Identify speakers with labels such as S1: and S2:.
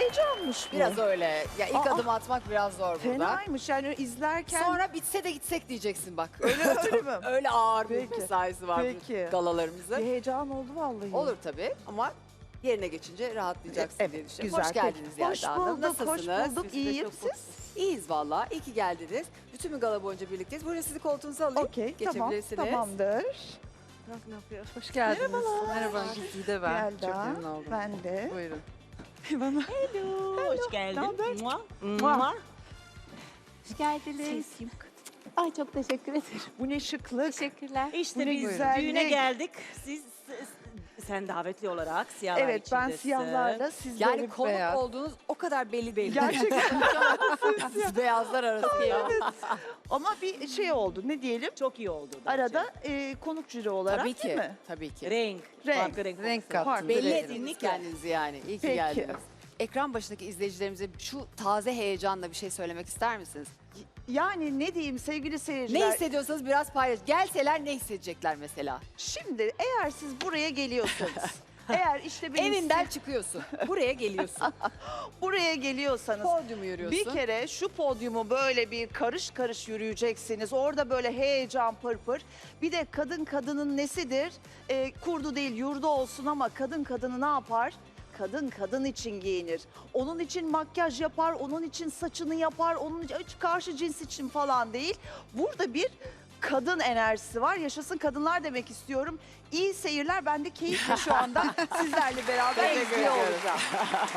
S1: heyecanmış bu.
S2: Biraz öyle. Ya ilk
S1: Aa,
S2: adım atmak biraz zor burada.
S1: Fenaymış yani izlerken.
S2: Sonra bitse de gitsek diyeceksin bak.
S1: Öyle mi?
S2: Öyle ağır bir
S1: Peki.
S2: mesaisi var
S1: Peki.
S2: bu galalarımızın.
S1: Bir heyecan oldu vallahi.
S2: Olur tabii ama yerine geçince rahatlayacaksın
S1: Evet,
S2: diye düşünüyorum.
S1: güzel.
S2: Hoş geldiniz
S1: Peki. Hoş
S2: Yelda Hanım.
S1: bulduk,
S2: Nasılsınız?
S1: hoş bulduk. İyiyim siz?
S2: İyiyiz valla. İyi ki geldiniz. Bütün bir gala boyunca birlikteyiz. Buyurun sizi koltuğunuza alayım.
S1: Okey, tamam,
S2: Geçebilirsiniz.
S1: tamamdır.
S3: Ne yapıyor? Hoş geldiniz.
S1: Merhabalar.
S3: Merhaba. Güzide ben.
S1: Yelda,
S3: Çok memnun oldum.
S1: Ben de.
S3: Buyurun.
S1: Bana.
S4: Hoş geldin.
S1: Naber?
S4: Mua.
S1: Mua.
S4: Mua.
S5: Hoş geldiniz. Ay çok teşekkür ederim.
S1: Bu ne şıklık.
S5: Teşekkürler.
S4: İşte
S1: Bu ne
S4: biz
S1: güzellik.
S4: düğüne geldik. Sen davetli olarak siyahlar
S1: Evet ben
S4: içindesin.
S1: siyahlarla siz
S2: Yani
S1: böyle
S2: konuk
S1: beyaz.
S2: olduğunuz o kadar belli belli.
S1: Gerçekten.
S2: Siz beyazlar arasında.
S1: Ama bir şey oldu ne diyelim.
S4: Çok iyi oldu. bence.
S1: Arada konuk jüri olarak
S2: Tabii
S1: değil
S2: ki.
S1: mi?
S2: Tabii ki.
S4: Renk.
S1: Renk.
S4: Farklı renk.
S3: Renk
S4: olsun.
S3: kattınız.
S1: Farklı
S2: Belli
S1: renk.
S2: ettiniz kendinizi yani. İyi ki
S1: Peki.
S2: geldiniz. Ekran başındaki izleyicilerimize şu taze heyecanla bir şey söylemek ister misiniz?
S1: Yani ne diyeyim sevgili seyirciler.
S2: Ne hissediyorsanız biraz paylaş. Gelseler ne hissedecekler mesela?
S1: Şimdi eğer siz buraya geliyorsanız. Eğer işte benim
S2: Evinden çıkıyorsun. Buraya geliyorsun.
S1: buraya geliyorsanız.
S2: Podyumu yürüyorsun.
S1: Bir kere şu podyumu böyle bir karış karış yürüyeceksiniz. Orada böyle heyecan pırpır. Bir de kadın kadının nesidir? Kurdu değil yurdu olsun ama kadın kadını ne yapar? Kadın kadın için giyinir. Onun için makyaj yapar, onun için saçını yapar, onun için hiç karşı cins için falan değil. Burada bir kadın enerjisi var. Yaşasın kadınlar demek istiyorum. İyi seyirler. Ben de keyifle şu anda sizlerle beraber
S2: Teşekkür
S1: izliyor
S2: ediyoruz.
S1: olacağım.